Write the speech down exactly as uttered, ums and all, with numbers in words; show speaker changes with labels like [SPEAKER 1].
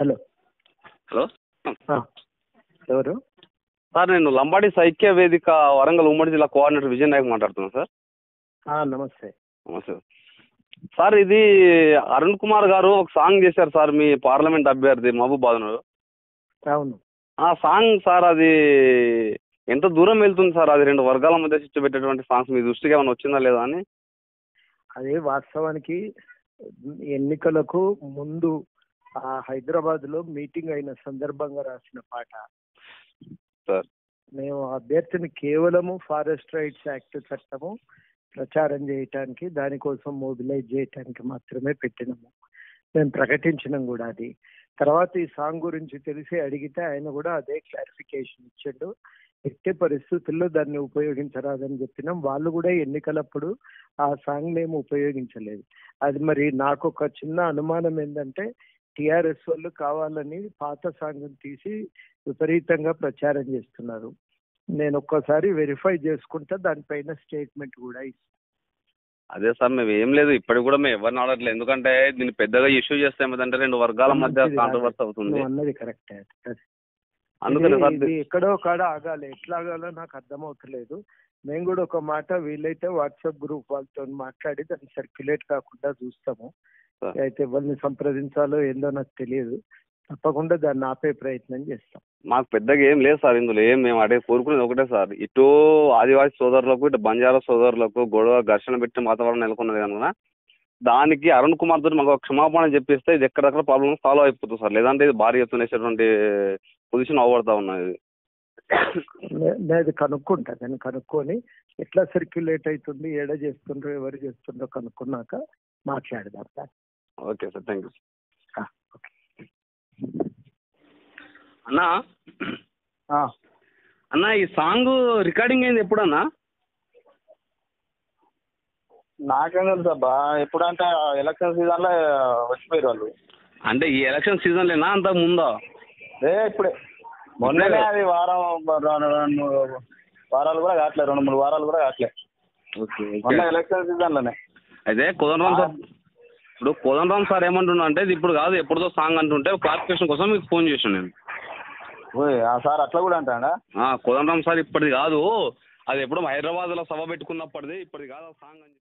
[SPEAKER 1] Hello
[SPEAKER 2] hello
[SPEAKER 1] ఆ, ఎవరు?
[SPEAKER 2] Sir, నేను లంబాడి సైక్య వేదిక వరంగల్ ఉమ్మడి జిల్లా కోఆర్డినేటర్ విజయ్ నాయక్ మాట్లాడుతున్నాను సార్.
[SPEAKER 1] ఆ, నమస్తే.
[SPEAKER 2] నమస్తే సార్. ఇది అరుణ్ కుమార్ గారు ఒక సాంగ్ చేశారు సార్, మీ పార్లమెంట్ అభ్యర్థి మహబూబాబాద్.
[SPEAKER 1] అవును.
[SPEAKER 2] ఆ సాంగ్ సార్, అది ఎంత దూరం వెళ్తుంది సార్? అది రెండు వర్గాల మధ్య చిచ్చు పెట్టేటువంటి సాంగ్స్ మీ దృష్టికి ఏమైనా వచ్చిందా లేదా అని.
[SPEAKER 1] అదే వాస్తవానికి ఎన్నికలకు ముందు ఆ హైదరాబాద్ లో మీటింగ్ అయిన సందర్భంగా రాసిన పాట
[SPEAKER 2] సార్.
[SPEAKER 1] మేము అభ్యర్థిని కేవలము ఫారెస్ట్ రైట్స్ యాక్ట్ చట్టము ప్రచారం చేయటానికి, దానికోసం మొబిలైజ్ చేయటానికి మాత్రమే పెట్టినాము. మేము ప్రకటించినాం కూడా అది. తర్వాత ఈ సాంగ్ గురించి తెలిసి అడిగితే ఆయన కూడా అదే క్లారిఫికేషన్ ఇచ్చాడు. ఎట్టి పరిస్థితుల్లో దాన్ని ఉపయోగించరాదని చెప్పినాం. వాళ్ళు కూడా ఎన్నికలప్పుడు ఆ సాంగ్ మేము ఉపయోగించలేదు. అది మరి నాకు ఒక చిన్న అనుమానం ఏంటంటే టిఆర్ఎస్ వాళ్ళు కావాలని పాత సాంగ్ తీసి విపరీతంగా ప్రచారం చేస్తున్నారు. నేను ఒక్కసారి వెరిఫై చేసుకుంటా, దానిపైన స్టేట్మెంట్ కూడా ఇస్తాను.
[SPEAKER 2] అదే సార్, మేము ఏం లేదు, ఇప్పటికి కూడా మేము ఎవరిని ఆడట్లేదు. ఎందుకంటే దీన్ని పెద్దగా ఇష్యూ చేస్తే ఏమిటంటే రెండు వర్గాల మధ్య కాంట్రవర్సీ అవుతుంది.
[SPEAKER 1] అన్నది కరెక్టే.
[SPEAKER 2] అందుకని సార్
[SPEAKER 1] ఇది ఎక్కడో కాడ ఆగాలి. ఎట్లా ఆగాలో నాకు అర్థమవుతలేదు. మేము కూడా ఒక మాట వీలైతే వాట్సాప్ గ్రూప్ వాళ్ళతో మాట్లాడి దాన్ని సర్క్యులేట్ కాకుండా చూస్తాము. అయితే ఎవరిని సంప్రదించాలో ఏందో నాకు తెలియదు. తప్పకుండా దాన్ని ఆపే ప్రయత్నం చేస్తాం.
[SPEAKER 2] మాకు పెద్దగా ఏం లేదు సార్ ఇందులో. ఏం మేము అడే కోరుకునేది ఒకటే సార్, ఇటు ఆదివాసీ సోదరులకు ఇటు బంజారా సోదరులకు గొడవ ఘర్షణ పెట్టిన వాతావరణం నెలకొన్నది కనుక దానికి అరుణ్ కుమార్ తోటి మాకు క్షమాపణ చెప్పిస్తే ఇది ఎక్కడెక్కడ ప్రాబ్లమ్ సాల్వ్ అయిపోతుంది సార్. లేదంటే ఇది భారీ ఎత్తున వేసేటువంటి పొజిషన్ అవ్వబడతా ఉన్నది.
[SPEAKER 1] నేను కనుక్కుంటా. నేను కనుక్కొని ఎట్లా సర్క్యులేట్ అవుతుంది, ఏడ చేస్తుండ్రో ఎవరు చేస్తుండ్రో కనుక్కున్నాక మాట్లాడదాం sir.
[SPEAKER 2] Okay sir, thank you.
[SPEAKER 1] Okay
[SPEAKER 2] అన్నా అన్న, ఈ సాంగ్ రికార్డింగ్ అయింది ఎప్పుడన్నా?
[SPEAKER 3] నాకేం తెలుసు అబ్బా. ఎప్పుడంటే ఎలక్షన్ సీజన్లో వచ్చిపోయారు వాళ్ళు.
[SPEAKER 2] అంటే ఈ ఎలక్షన్ సీజన్లేనా అంతకు ముందా?
[SPEAKER 3] ఏ ఇప్పుడే మొన్ననే అది వారం రెండు వారాలు కూడా కావట్లేదు, రెండు మూడు వారాలు కూడా కావట్లేదు.
[SPEAKER 2] ఓకే,
[SPEAKER 3] మొన్న ఎలక్షన్ సీజన్లోనే.
[SPEAKER 2] అయితే కుదరరాం సార్, ఇప్పుడు కుదరరాం సార్ ఏమంటున్నా అంటే ఇది ఇప్పుడు కాదు ఎప్పుడుదో సాంగ్ అంటుంటే క్లారిఫికేషన్ కోసం మీకు ఫోన్ చేసాను నేను.
[SPEAKER 3] సార్ అట్లా కూడా అంటాడా?
[SPEAKER 2] కుదరరాం సార్ ఇప్పటిది కాదు, అది ఎప్పుడు హైదరాబాద్లో సభ పెట్టుకున్నప్పటిది, ఇప్పటిది కాదు ఆ సాంగ్ అని.